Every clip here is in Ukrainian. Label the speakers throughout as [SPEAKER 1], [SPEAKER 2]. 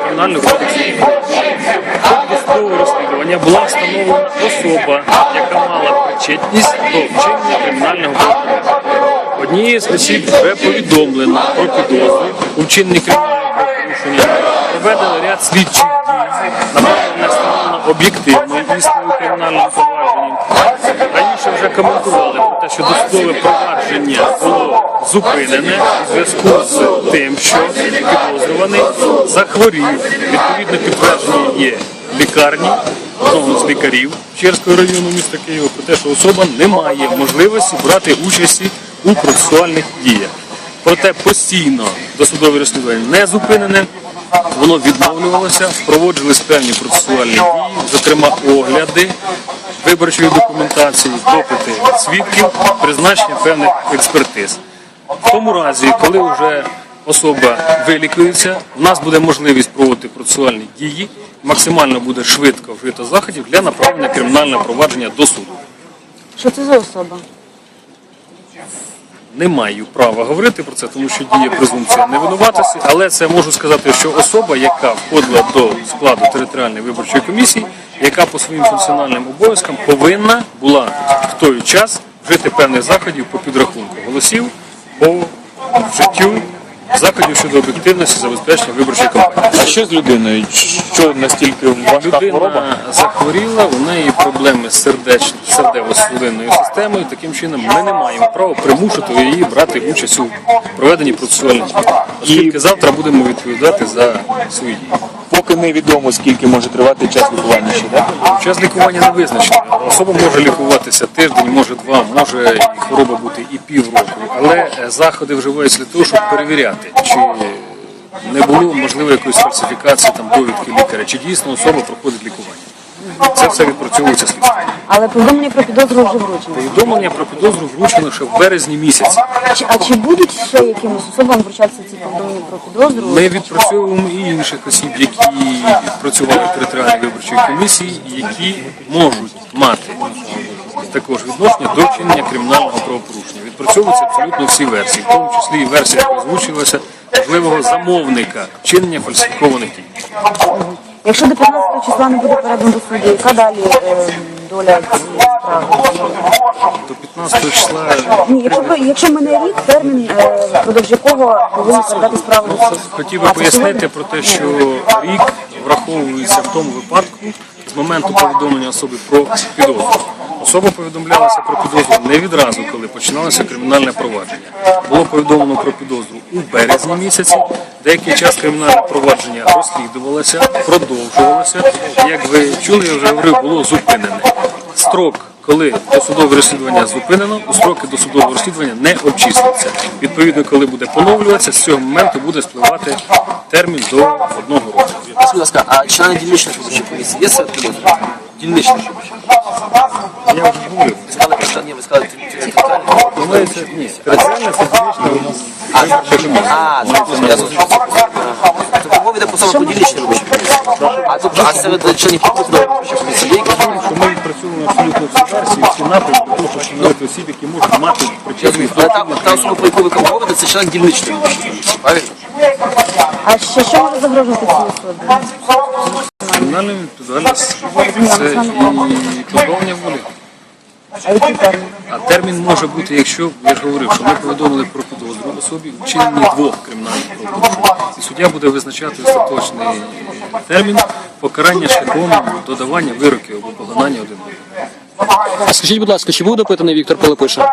[SPEAKER 1] Кримінального кодексу. Досудового розслідування була встановлена особа, яка мала причетність до вчинення кримінального правопорушення. Однією з осіб вже повідомлено про підозру у вчиненні кримінального правопорушення, проведено ряд слідчих дій, направлено встановлено об'єктивну істину кримінального провадження. Раніше вже коментували про те, що досудове провадження було зупинене у зв'язку з тим, що підозрюваний захворів. Відповідне підтвердження є в лікарні, одного з лікарів Печерського району міста Києва, про те, що особа не має можливості брати участі у процесуальних діях. Проте постійно досудове розслідування не зупинене, воно відновлювалося, впроводжувалися певні процесуальні дії, зокрема огляди виборчої документації, допити свідків, призначення певних експертиз. В тому разі, коли вже особа вилікується, у нас буде можливість проводити процесуальні дії, максимально буде швидко вжито заходів для направлення кримінального провадження до суду.
[SPEAKER 2] Що це за особа?
[SPEAKER 1] Не маю права говорити про це, тому що діє презумпція невинуватості, але це можу сказати, що особа, яка входила до складу територіальної виборчої комісії, яка по своїм функціональним обов'язкам повинна була в той час вжити певних заходів по підрахунку голосів, по вжиттю заходів щодо об'єктивності забезпечення виборчої кампанії.
[SPEAKER 3] А що з людиною? Що настільки важка хвороба?
[SPEAKER 1] Людина захворіла, у неї проблеми з серцево-судинною системою. Таким чином ми не маємо права примушувати її брати участь у проведенні процесуальних дій. Оскільки завтра будемо відповідати за свої дії.
[SPEAKER 3] Поки невідомо, скільки може тривати час лікування ще, так?
[SPEAKER 1] Час лікування не визначений. Особа може лікуватися тиждень, може два, може і хвороба бути і півроку. Але заходи вживаються для того, щоб перевіряти, чи не було можливо якоїсь фальсифікації там довідки лікаря, чи дійсно особа проходить лікування. Це все відпрацьовується слідством.
[SPEAKER 2] Але повідомлення про підозру вже вручено.
[SPEAKER 1] Повідомлення про підозру вручено ще в березні місяці.
[SPEAKER 2] А чи будуть ще якимось особам вручатися ці повідомлення про підозру?
[SPEAKER 1] Ми відпрацьовуємо і інших осіб, які працювали в територіальній виборчій комісії, які можуть мати також відношення до вчинення кримінального правопорушення. Відпрацьовуються абсолютно всі версії, в тому числі і версія, яка озвучилася, можливого замовника вчинення фальсифікованих дій.
[SPEAKER 2] Якщо до 15 числа не буде передано до суду, яка далі доля цієї справи?
[SPEAKER 1] До 15 числа...
[SPEAKER 2] Ні, якщо мене рік, термін, впродовж якого повинні передати справу до суду.
[SPEAKER 1] Хотів би пояснити про те, що рік враховується в тому випадку з моменту повідомлення особи про підозру. Особа повідомлялася про підозру не відразу, коли починалося кримінальне провадження. Було повідомлено про підозру у березні місяці. Деякий час кримінальне провадження розслідувалося, продовжувалося. Як ви чули, я вже говорив, було зупинене. Строк, коли досудове розслідування зупинено, у строки досудового розслідування не обчислюються. Відповідно, коли буде поновлюватися, з цього моменту буде спливати термін до 1 року.
[SPEAKER 4] Скажіть, будь ласка, а члени дільничної виборчої комісії є серед підозрюваних? Дільничної виборчої?
[SPEAKER 1] Я вже говорив.
[SPEAKER 4] Ви сказали, територіальні.
[SPEAKER 1] Думається, ні, територіальна стратегічна у нас виборча комісія.
[SPEAKER 4] Я зрозумів. Тобто мова йде по саме про дільничну виборчу комісію. А серед членів підозрюваної виборчої комісії є якісь?
[SPEAKER 1] Що ми відпрацьовуємо абсолютно всі версії, всі напрямки, для того, щоб встановити осіб, які можуть мати причетність до
[SPEAKER 4] Але та особа, про яку ви говорите, це член дільничної виборчої комісії, правильно?
[SPEAKER 2] А що може загрожувати цій особі?
[SPEAKER 1] кримінальної відповідальності. Це і позбавлення волі.
[SPEAKER 2] А який термін?
[SPEAKER 1] А термін може бути, якщо, я ж говорив, що ми повідомили про підозру особі у вчиненні 2 кримінальних правопорушень. І суддя буде визначати остаточний термін покарання шляхом додавання вироків або поглинання один одного.
[SPEAKER 5] Скажіть, будь ласка, чи був допитаний Віктор Пилипиша?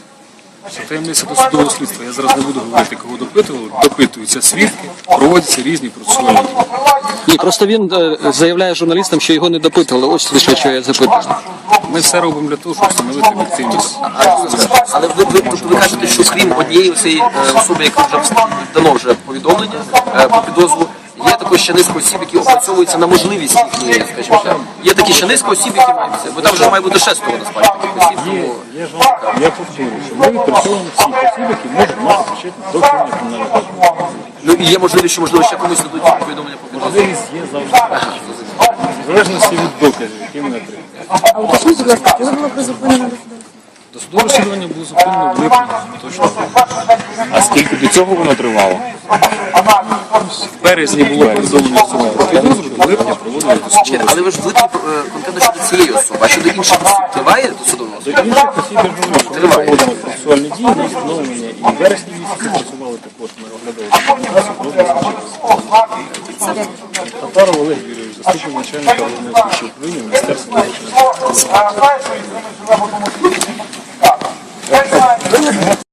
[SPEAKER 1] Це таємниця досудового слідства. Я зараз не буду говорити, кого допитували. Допитуються свідки, проводяться різні процесуальні дії.
[SPEAKER 5] Ні, просто він заявляє журналістам, що його не допитували. Ось лише, що я запитую.
[SPEAKER 1] Ми все робимо для того, щоб встановити об'єктивність.
[SPEAKER 4] Але ви кажете, що крім однієї цієї особи, яка вже дано вже повідомлення про підозру, є також ще низка осіб, які опрацьовуються на можливість їхньої, скажімо так. Є такі ще низка осіб, які мають це, бо там вже має бути 6 насправді таких осіб.
[SPEAKER 1] Я повторюю, що ми відпрацьовуємо всіх осіб, які можуть мати причетність до вчинення кримінального правопорушення.
[SPEAKER 4] Ну і є можливість, що можливо ще комусь дадуть повідомлення про підозру.
[SPEAKER 1] Можливість є завжди. В залежності від доказів, які ми отримуємо.
[SPEAKER 2] А уточніть, будь ласка, коли було призупинено досудове?
[SPEAKER 1] Судове розслідування було зупинено в липні, точно.
[SPEAKER 3] А скільки до цього воно тривало?
[SPEAKER 1] В березні було повідомлено особу про підозру, в липні проводили досудове
[SPEAKER 4] Чекайте, але ви ж в липні конкретно щодо цієї особи, а щодо інших осіб триває досудове розслідування?
[SPEAKER 1] інших осіб я ж говорю, що ми
[SPEAKER 4] Триває.
[SPEAKER 1] проводимо процесуальні дії на встановлення. І в вересні місяці працювали також, ми оглядали Татаров Олег Юрійович, заступник начальника головного слідчого управління Міністерства внутрішніх справ.